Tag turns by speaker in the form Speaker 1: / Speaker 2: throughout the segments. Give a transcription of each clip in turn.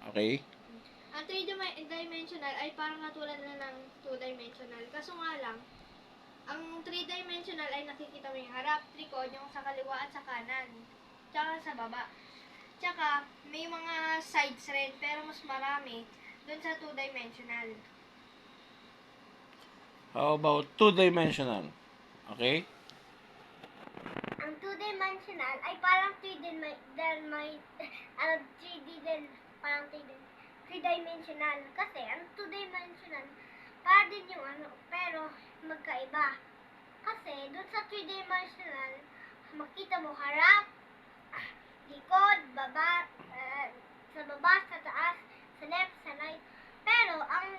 Speaker 1: Okay?
Speaker 2: Ang 3-dimensional ay parang katulad na ng 2-dimensional. Kaso nga lang, ang 3-dimensional ay nakikita mo yung harap, likod, yung sa kaliwa at sa kanan. Tsaka sa baba. Tsaka, may mga sides rin, pero mas marami dun sa 2-dimensional.
Speaker 1: How about two-dimensional? Okay?
Speaker 3: Ang 2-dimensional ay parang 3D din, parang 3-dimensional. Kasi ang 2-dimensional, para din yung pero magkaiba. Kasi dun sa 3-dimensional, makita mo harap, likod, baba, sa baba, sa taas, sa left, sa right. Pero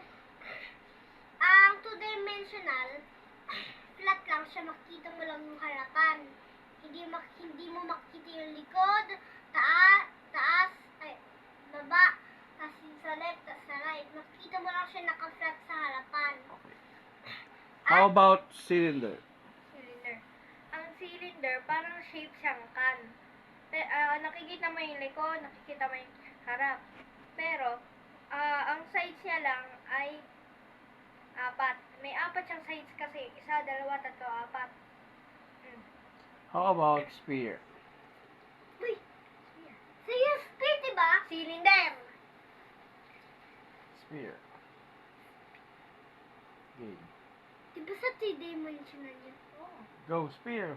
Speaker 3: ang 2-dimensional, flat lang siya, makita mo lang yung harapan. Hindi mo makita yung likod, taas, baba, kasi sa left, sa right. Makita mo lang siya naka-flat sa harapan.
Speaker 1: How about cylinder?
Speaker 2: Cylinder. Ang cylinder, parang shape siyang can. Nakikita mo yung likod, nakikita mo yung harap. Pero, ang sides niya lang ay 4. May 4 siyang sides kasi. 1, 2, 3, 4.
Speaker 1: How about sphere?
Speaker 3: Uy! So yung sphere, diba?
Speaker 2: Cylinder!
Speaker 1: Sphere. Okay.
Speaker 3: Diba sa 3-dimensional yun?
Speaker 1: Go, sphere.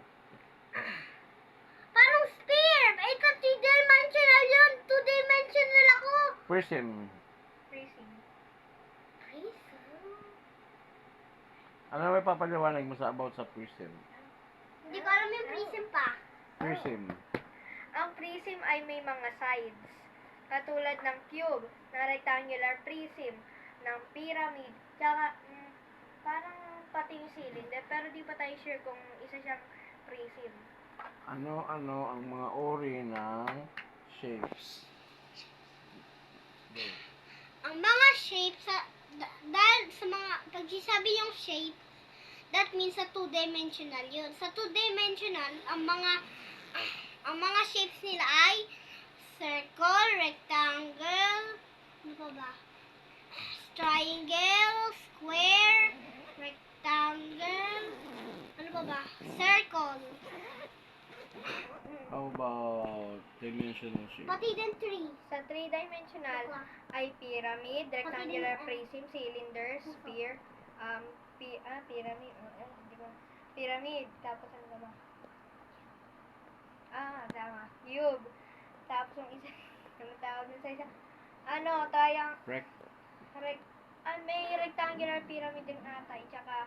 Speaker 3: Parang sphere! Ito 3-dimensional yun! 2-dimensional ako!
Speaker 1: Prism.
Speaker 2: Prism.
Speaker 3: Prism?
Speaker 1: Ano may papaliwanag mo about sa prism?
Speaker 3: Hindi ko alam yung prism pa.
Speaker 1: Prism.
Speaker 2: Ang prism ay may mga sides. Katulad ng cube, ng rectangular prism, ng pyramid, tsaka parang pati yung cylinder, pero di pa tayo sure kung isa siyang prism.
Speaker 1: Ano-ano ang mga uri ng shapes? Go.
Speaker 3: Ang mga shapes, dahil sa mga, pag sabi yung shape, that means sa 2-dimensional yun. Sa 2-dimensional, ang mga shapes nila ay circle, rectangle, ano pa ba? Triangle, square, rectangle, ano pa ba? Circle.
Speaker 1: How about dimensional shape?
Speaker 3: Pati din 3.
Speaker 2: Sa 3-dimensional ay pyramid, rectangular prism, cylinder, sphere, pyramid, di ba? Pyramid, tapos ano ba? Tama. Cube. Tapos yung isa, ano tawag dun sa isa? May rectangular pyramid din ata, tsaka,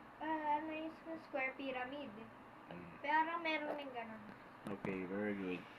Speaker 2: yung square pyramid. Pero meron din ganun.
Speaker 1: Okay, very good.